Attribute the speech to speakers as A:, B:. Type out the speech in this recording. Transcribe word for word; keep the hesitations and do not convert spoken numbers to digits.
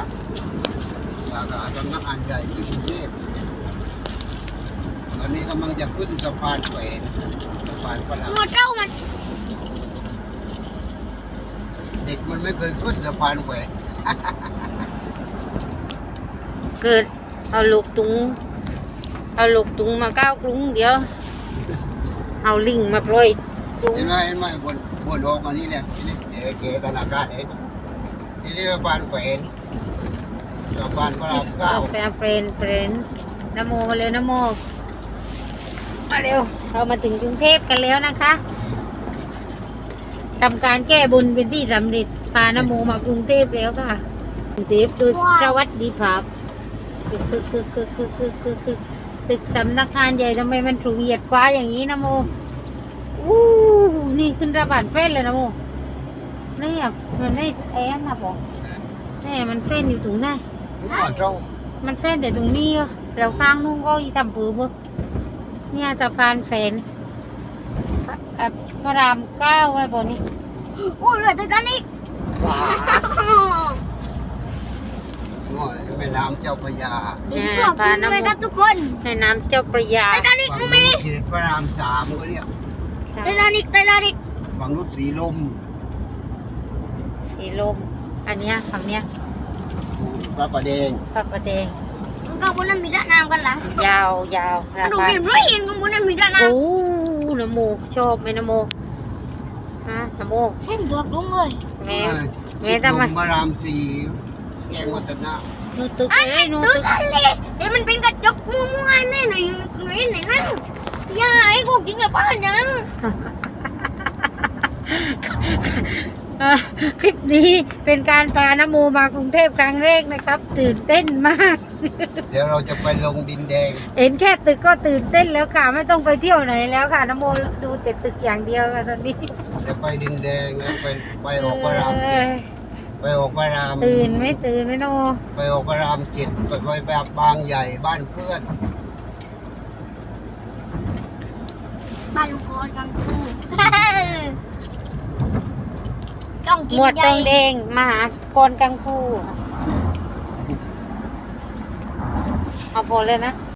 A: สาขาสำนักงานใหญ่ที่กรุงเทพตอนนี้กำลังจะขึ้นสะพานแขวนสะพานพระราม
B: หมดเจ้ามัน
A: เด็กมันไม่เคยขึ้นสะพานแขวน
C: เกิดเอาลูกตุงเอาลูกตุงมาก้าวกรุงเดี๋ยวเอาลิงมาปล่อยตุง
A: เห็นไหมเห็นไหมบนบนโอกอันนี้เนี่ยนี่เดี๋ยวเก๋กันอากาศเห็นนี่นี่สะพานแขวนสะพานพระรามเก้า
C: แฟนเฟรนเฟรนนโมมาเร็วนโมมาเร็วเรามาถึงกรุงเทพกันแล้วนะคะทำการแก้บุญเป็นที่สำเร็จพานโมมากรุงเทพแล้วค่ะกรุงเทพโดยสวัสดีภาพตึกตึกตึกตึกตึกตึกตึกตึกตึกสำนักงานใหญ่ทำไมมันถูกเหยียดกว่าอย่างนี้นะโมอู้นี่ขึ้นระบาดเฟ้นเลยนะโมนี่อ่ะมันไม่แอนนะบอกนี่มันเฟ้นอยู่ตรงไหน
A: หัวเจ้า
C: มันเฟ้นแต่ตรงนี้อ่ะแล้วข้างนู้นก็อีทำปื้อเนี่ยสะพานแฝนอ่ะพระรามเก้าไว้บนนี้
B: โอ้ยเหลือแต่กันอีก
A: หัวแม่น้ำเจ้าพระยา
C: เนี่ย
B: ขอบ
C: พา
B: คุณ
C: น้ำ
B: เลยครับทุกคน
C: แม่น้ำเจ้าประยา
B: ไททานิก
A: ฝั่ง
B: น้อง
A: นู้
B: เม
A: นเขตพระรามสามก็เรียก
B: ไททานิกไททานิก
A: ฝั่งนู้นสีลม
C: สีลมอันเนี้ยฝั่งเนี้ย
A: พระประแดง
C: พระประแดง
B: ข้างบนนั้นมีด้านน้ำกันหลัง
C: ยาวยาวรา
B: ดู
C: คา
B: เรียนร้อยเห็นข้างบนนั้นมีด้านน้
C: โอ้นโมชอบไหมนโมฮะนโม
B: ำเห็นตัวกรุ้งเลย
C: แม่
A: เออ
C: แม่
A: สีล
C: ทำไม
A: มพระรามสี่แกงวัฒนะ
C: นูตึก
B: อัน
C: เอ้
B: นี้
C: ยนู
B: ตึ
C: ตึ
B: ก
C: ก
B: อันเละแต่มันเป็นกระจกมัวๆแน่หน่อยหน่อยไหนนั่นอย่าให้กูกินกับป้าจัง
C: อ่ะคลิปนี้เป็นการพานโมมากรุงเทพครั้งแรกนะครับ ตื่นเต้นมาก
A: เดี๋ยวเราจะไปลงดินแดง
C: เห็นแค่ตึกก็ตื่นเต้นแล้วค่ะไม่ต้องไปเที่ยวไหนแล้วค่ะนโมดูแต่ตึกอย่างเดียวค่ะตอนนี้
A: จะไปดินแดงนะไปไปออกพระรามเจ็ดไปออกพระราม
C: ตื่นไม่ตื่นไม่นโม
A: ไปออกพระรามเจ็ดไปไปแบบบางใหญ่บ้านเพื่อน
B: บ้านลุงกอนกังฟูต้องกิน
C: หมวด
B: ให
C: ต
B: ญ่
C: องแดงมหากรกังฟูเอาพอเลยนะ